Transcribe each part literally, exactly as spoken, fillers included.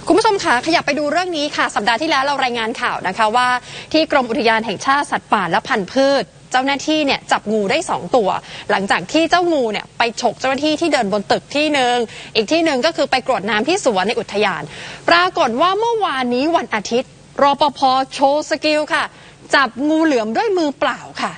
คุณผู้ชมคะขยับไปดูเรื่องนี้ค่ะสัปดาห์ที่แล้วเรารายงานข่าวนะคะว่าที่กรมอุทยานแห่งชาติสัตว์ป่าและพันธุ์พืชเจ้าหน้าที่เนี่ยจับงูได้สองตัวหลังจากที่เจ้างูเนี่ยไปฉกเจ้าหน้าที่ที่เดินบนตึกที่หนึ่งอีกที่หนึ่งก็คือไปกรวดน้ำที่สวนในอุทยานปรากฏว่าเมื่อวานนี้วันอาทิตย์รปภ.โชว์สกิลค่ะจับงูเหลือมด้วยมือเปล่าค่ะ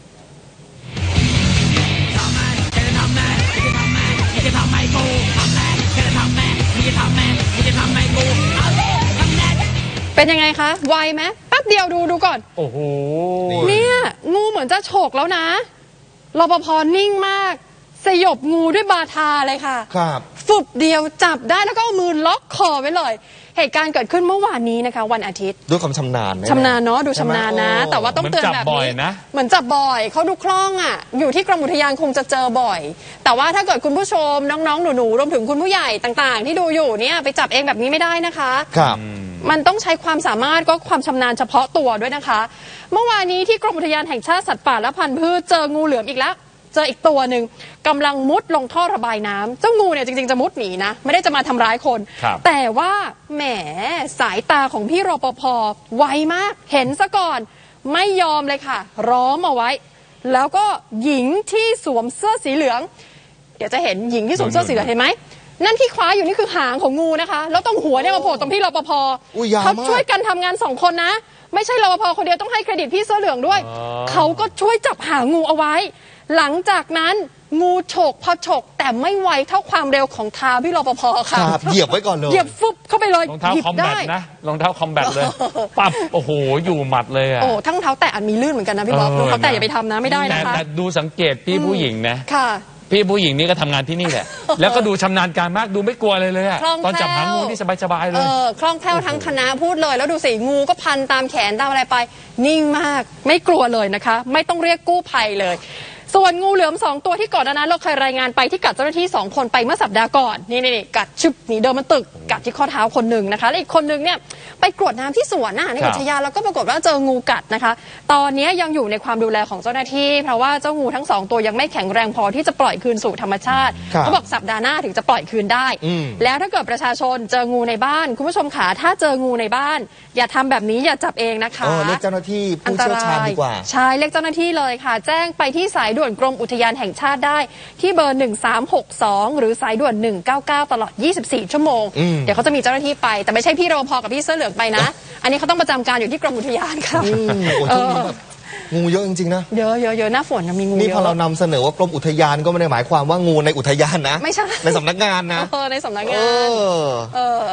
เป็นยังไงคะไวไหมแป๊บเดียวดูดูก่อนโอ้โหเนี่ยงูเหมือนจะฉกแล้วนะรปภ.นิ่งมากสยบงูด้วยบาทาเลยค่ะครับฟุบเดียวจับได้แล้วก็เอามือล็อกคอไว้เลยเหตุการณ์เกิดขึ้นเมื่อวานนี้นะคะวันอาทิตย์ด้วยความชำนาญชำนาญเนาะดูชำนาญนะแต่ว่าต้องเตือนแบบนี้เหมือนจับบ่อยเขาดูคล่องอ่ะอยู่ที่กรมอุทยานคงจะเจอบ่อยแต่ว่าถ้าเกิดคุณผู้ชมน้องๆหนูๆรวมถึงคุณผู้ใหญ่ต่างๆที่ดูอยู่เนี่ยไปจับเองแบบนี้ไม่ได้นะคะครับมันต้องใช้ความสามารถก็ความชำนาญเฉพาะตัวด้วยนะคะเมื่อวานนี้ที่กรมอุทยานแห่งชาติสัตว์ป่าและพันธุ์พืชเจองูเหลือมอีกแล้วเจออีกตัวหนึ่งกำลังมุดลงท่อระบายน้ำเจ้างูเนี่ยจริงๆจะมุดหนีนะไม่ได้จะมาทำร้ายคนแต่ว่าแหมสายตาของพี่รปภ.ไวมากเห็นซะก่อนไม่ยอมเลยค่ะร้อมเอาไว้แล้วก็หญิงที่สวมเสื้อสีเหลืองเดี๋ยวจะเห็นหญิงที่สวมเสื้อสีเหลืองเห็นไหมนั่นที่คว้าอยู่นี่คือหางของงูนะคะแล้วตรงหัวเนี่ยมาโผล่ตรงพี่รปภ.เขาช่วยกันทำงานสองคนนะไม่ใช่รปภ.คนเดียวต้องให้เครดิตพี่เสื้อเหลืองด้วยเขาก็ช่วยจับหางงูเอาไว้หลังจากนั้นงูฉกพอฉกแต่ไม่ไวเท่าความเร็วของเท้าพี่รปภ.ค่ะเหยียบไว้ก่อนเลยเหยียบฟุบเข้าไปเลยรองเท้าคอมแบทนะรองเท้าคอมแบทเลยปั๊บโอ้โหอยู่หมัดเลยอ่ะโอ้ทั้งเท้าแตะอันมีลื่นเหมือนกันนะพี่บ๊อบรองเท้าแตะอย่าไปทำนะไม่ได้นะคะแต่ดูสังเกตพี่ผู้หญิงนะค่ะพี่ผู้หญิงนี่ก็ทำงานที่นี่แหละแล้วก็ดูชำนาญการมากดูไม่กลัวเลยเลยอะตอนจับหางงูนี่สบายๆเลยคล่องแคล่วทั้งคณะพูดเลยแล้วดูสิงูก็พันตามแขนตามอะไรไปนิ่งมากไม่กลัวเลยนะคะไม่ต้องเรียกกู้ภัยเลยส่วนงูเหลือมสองตัวที่ก่อนหน้านั้นเราเคยรายงานไปที่กัดเจ้าหน้าที่สองคนไปเมื่อสัปดาห์ก่อนนี่นี่กัดชึบหนีเดินมันตึกกัดที่ข้อเท้าคนหนึ่งนะคะและอีกคนหนึ่งเนี่ยไปกรวดน้ำที่สวนน่ะในอุทยานแล้วก็ปรากฏว่าเจองูกัดนะคะตอนนี้ยังอยู่ในความดูแลของเจ้าหน้าที่เพราะว่าเจ้างูทั้งสองตัวยังไม่แข็งแรงพอที่จะปล่อยคืนสู่ธรรมชาติเขาบอกสัปดาห์หน้าถึงจะปล่อยคืนได้แล้วถ้าเกิดประชาชนเจองูในบ้านคุณผู้ชมขาถ้าเจองูในบ้านอย่าทำแบบนี้อย่าจับเองนะคะเรียกเจ้าหน้าที่ผู้เชี่ยวชาญดีกว่าใช่เรียกเจ้าหน้าที่เลยค่ะแจ้งไปที่สายด่วนกรมอุทยานแห่งชาติได้ที่เบอร์หนึ่งสามหกสองหรือสายด่วนหนึ่งเก้าเก้าตลอดยี่สิบสี่ชั่วโมงเดี๋ยวเขาจะมีเจ้าหน้าที่ไปแต่ไม่ใช่พี่รปภ.กับพี่เสื้อเหลืองไปนะอันนี้เขาต้องประจำการอยู่ที่กรมอุทยานค่ะงูเยอะจริงๆนะเยอะเยอะเยอะหน้าฝนมีงูนี่พอเรานำเสนอว่ากรมอุทยานก็ไม่ได้หมายความว่างูในอุทยานนะไม่ใช่ในสำนักงานนะในสำนักงาน